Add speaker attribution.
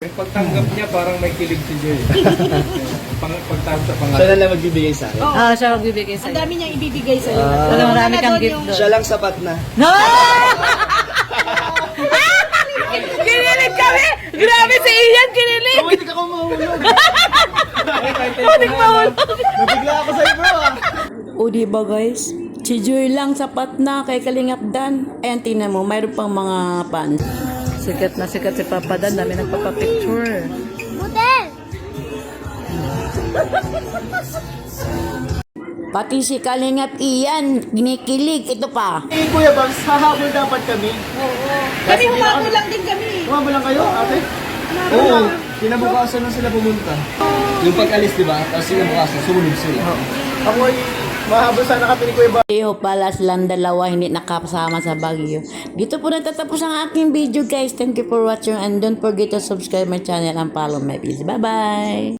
Speaker 1: Yung pagtanggap niya parang may kilig si Joy. Pagtanggap sa
Speaker 2: Siya
Speaker 1: pangalan.
Speaker 2: na lang magbibigay sa akin.
Speaker 3: Ah, siya magbibigay
Speaker 4: Ang
Speaker 3: sa'yo.
Speaker 4: dami niyang ibibigay sa'yo.
Speaker 3: Wala, marami kang gift
Speaker 4: yung...
Speaker 3: doon.
Speaker 2: Siya lang sapat na.
Speaker 3: No! Kinilig kami! Grabe si Ian, kinilig!
Speaker 2: Oh, hindi ka ko mahulog.
Speaker 3: Huling mahulog.
Speaker 2: Nabigla ako sa'yo bro ah.
Speaker 5: O diba guys? Si Joy lang sapat na kay Kalingap Dan. Ayan, tingnan mo, mayroon pang mga fans.
Speaker 3: Sikat na sikat si Papa Dan, dami nagpapapicture.
Speaker 5: Pati si Kalingap Ian, ginikilig. Ito pa.
Speaker 2: Eh Kuya Bams, hahabol dapat kami.
Speaker 4: Kami humabo lang din kami.
Speaker 2: Humabol lang kayo ate? Oo. Kinabukasan na sila pumunta. Yung pag-alis diba? Tapos kinabukasan, sumunod sila. Ako ay mahabol sana kami ni Kuya Bams.
Speaker 5: Eho pala silang dalawa hindi nakasama sa Baguio. Dito po nagtatapos ang aking video guys. Thank you for watching and don't forget to subscribe my channel and follow my page. Bye bye!